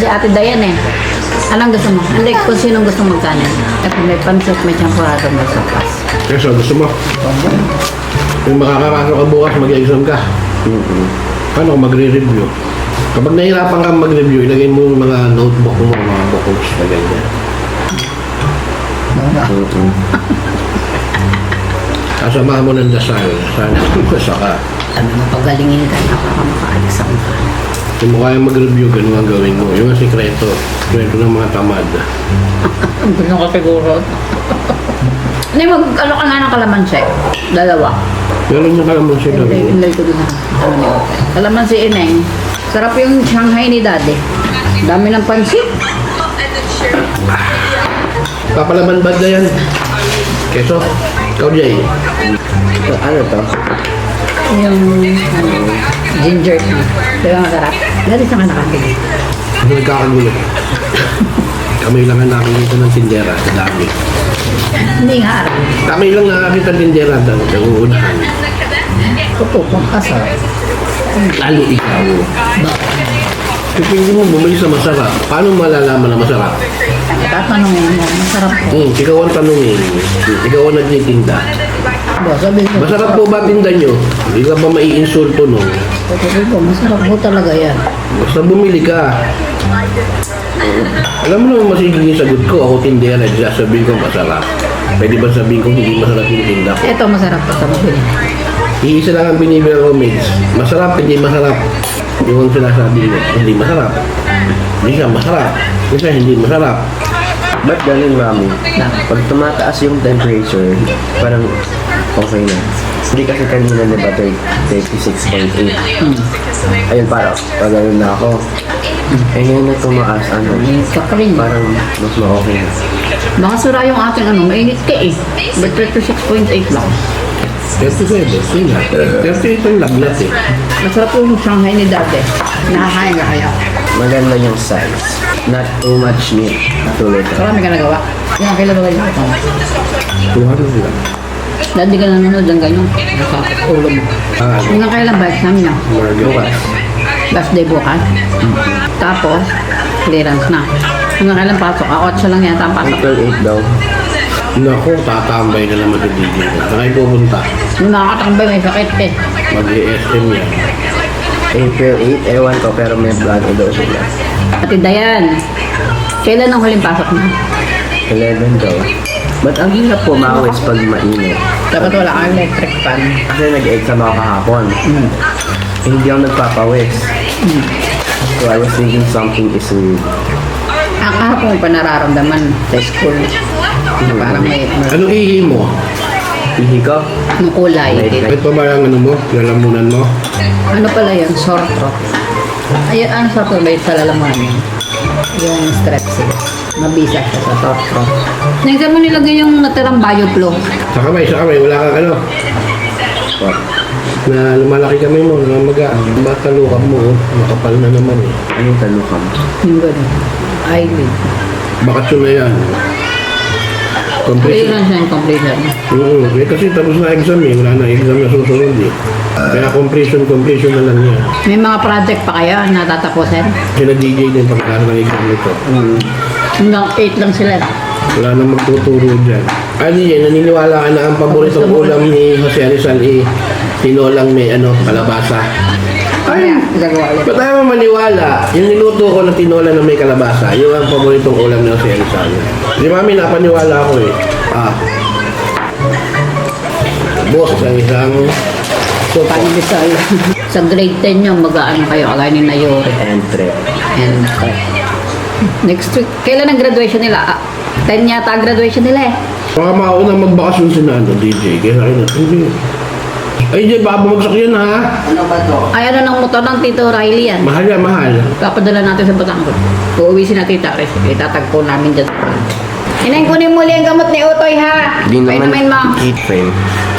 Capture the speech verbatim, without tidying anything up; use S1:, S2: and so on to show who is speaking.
S1: si Ate Dayan eh. Anong gusto mo? Hindi, kung sinong gusto magkanin. At may pansot, may champurado, may sopas.
S2: Keso, gusto mo? Kung makakapasok ka bukas, mag-exam ka.
S3: Mm-hmm.
S2: Paano kung magre-review? Kapag nahirapan kang mag-review, ilagay mo yung mga notebook mo, mga books na ganyan.
S3: Mm-hmm.
S2: Kasama mo ng dasal. Sana basa ka.
S1: Ano mo, pagalingin ka na para maka-exam ka.
S2: Kung mo kaya mag-review, ganun ang gawin mo. Yung ang sikreto. Sikreto ng mga tamad.
S1: Gusto ko siguro. Hindi, mag, ano ka nga ng kalamansi? Dalawa.
S2: Meron yung kalamansi
S1: Hindi,
S2: gawin.
S1: hindi ko din na. Kalamansi ineng. Sarap yung Shanghai ni Daddy. Dami ng pansit.
S2: Papalaman bad na yan. Keso, ikaw Jay.
S3: So, ano to?
S1: Yung ano, ginger tea. Diba masarap? Dati sa ka nakakili.
S2: Ano nagkakagulo? Kami lang ang nakikita ng tindera sa dami.
S1: Hindi nga araw.
S2: Kami lang nakakita ng tindera daw. Nangungunahan.
S1: Totoo, kung kasarap.
S2: Lalo ikaw. Kung hindi mo bumili sa masarap, paano malalaman na masarap?
S1: Tatanungin mo, masarap po.
S2: Hmm, ikaw ang tanungin. Ikaw ang nagtitinda.
S1: Ba, sabi ko,
S2: Masarap po ba tinda nyo? Hindi ka ba maiinsulto no?
S1: sabi ko, masarap po talaga yan.
S2: Basta bumili ka. Alam mo naman masigiging sagot ko, ako tindera, dyan sabihin ko masarap. Pwede ba sabihin ko hindi masarap yung tinda ko?
S1: Ito, masarap po sa mabili.
S2: Iisa lang ang binibili ko, mates. Masarap, hindi masarap. Yung ang sinasabi mo, hindi masarap. Hindi siya masarap. Kasi hindi masarap.
S3: Ba't ganun, mami? Pag tumataas yung temperature, parang okay na. Hindi kasi kanina, di ba, thirty-six point eight. Ayun, parang, pag ganun na ako. Eh, ngayon na tumaas, ano,
S1: Kakarin.
S3: parang mas ma-okay na.
S1: Baka sura yung ating ano, mainit ka eh. But thirty-six point eight lang.
S2: thirty-seven, yun nga. thirty-eight ang lagnat eh.
S1: Masarap yung Shanghai ni Daddy. Nakakain ka kaya.
S3: Maganda yung size. Not too much meat. Tulad ka.
S1: Marami ka nagawa. Yung ang kailan ba kayo ito?
S2: two hundred lang.
S1: Dati ka nanonood ng ganyan. Sa ulo mo.
S2: Ah,
S1: Yung ang kailan ba exam niya?
S3: Bukas.
S1: Last day bukas. Tapos, clearance na. Yung ang kailan pasok? Ah, otso lang yata ang pasok.
S3: April eight daw.
S2: Naku, tatambay na naman sa D J. Saan kayo pupunta?
S1: Yung nakakatambay may sakit eh.
S2: Mag-E S M yan.
S3: April eight, ewan ko, pero may vlog daw sila.
S1: Ate Dayan, kailan ang huling pasok na?
S3: eleven daw. Ba't ang hirap pumawis pag mainit?
S1: Dapat wala kang electric fan.
S3: Kasi nag-exam ako kahapon.
S1: Mm.
S3: Eh, hindi ako nagpapawis. So I was thinking something is weird.
S1: Ang kahapon pa nararamdaman sa school. Na parang may, may
S2: Anong ihi mo?
S3: Ihi ko?
S1: anong kulay.
S2: Kahit pa ba yung ano mo? Lalamunan mo?
S1: Ano pala yun? Sore throat. Ayun, ano sore throat ba yun sa lalamunan yun? Yung strepsil. Mabisa siya sa sore throat. Nagsan mo nilagay yung natirang bioflow.
S2: Sa kamay, sa kamay. Wala kang ano?
S3: What?
S2: Na lumalaki kamay mo, namamaga. Matalukan mo, oh. Makapal na naman eh.
S3: Anong talukam?
S1: Yung gano'n. Eyelid.
S2: Bakasyon na yan. Completion.
S1: Clearance na yung completion.
S2: Oo, eh kasi tapos na exam eh. Wala na exam na susunod eh. Kaya completion, completion na lang yan.
S1: May mga project pa kayo na tatapusin?
S2: Sila D J din pagkakaroon ng exam nito.
S1: Hanggang eight lang sila.
S2: Wala nang magtuturo dyan. Ah, D J, naniniwala ka na ang paboritong ulam ni Jose Rizal eh, tinolang may ano, kalabasa.
S1: Ay, gagawa ulit.
S2: Ba't tayo maniwala? Yung niluto ko na tinola na may kalabasa, yun ang paboritong ulam ni Jose Rizal. Di mami, napaniwala ako eh. Ah. Boss, ang isang so,
S1: Paano Rizal? Sa grade ten nyo, mag-ano kayo, kagaya ni Nayori.
S3: Entre.
S1: And uh, next week, kailan ang graduation nila? Ah, ten yata ang graduation nila eh.
S2: mga maunang magbakasyon si na ano, D J. Kaya sa akin, hindi. Ay, D J, baka bumagsak yan ha.
S3: Ano ba to?
S1: Ay, ano ng motor ng Tito Riley yan?
S2: Mahal yan, mahal.
S1: Papadala natin sa Batangas. Uuwi si na Tita Res. Itatagpo namin dyan. Ineng, kunin muli ang gamot ni Utoy ha.
S3: Di naman
S1: Painumin mo.
S3: heat frame.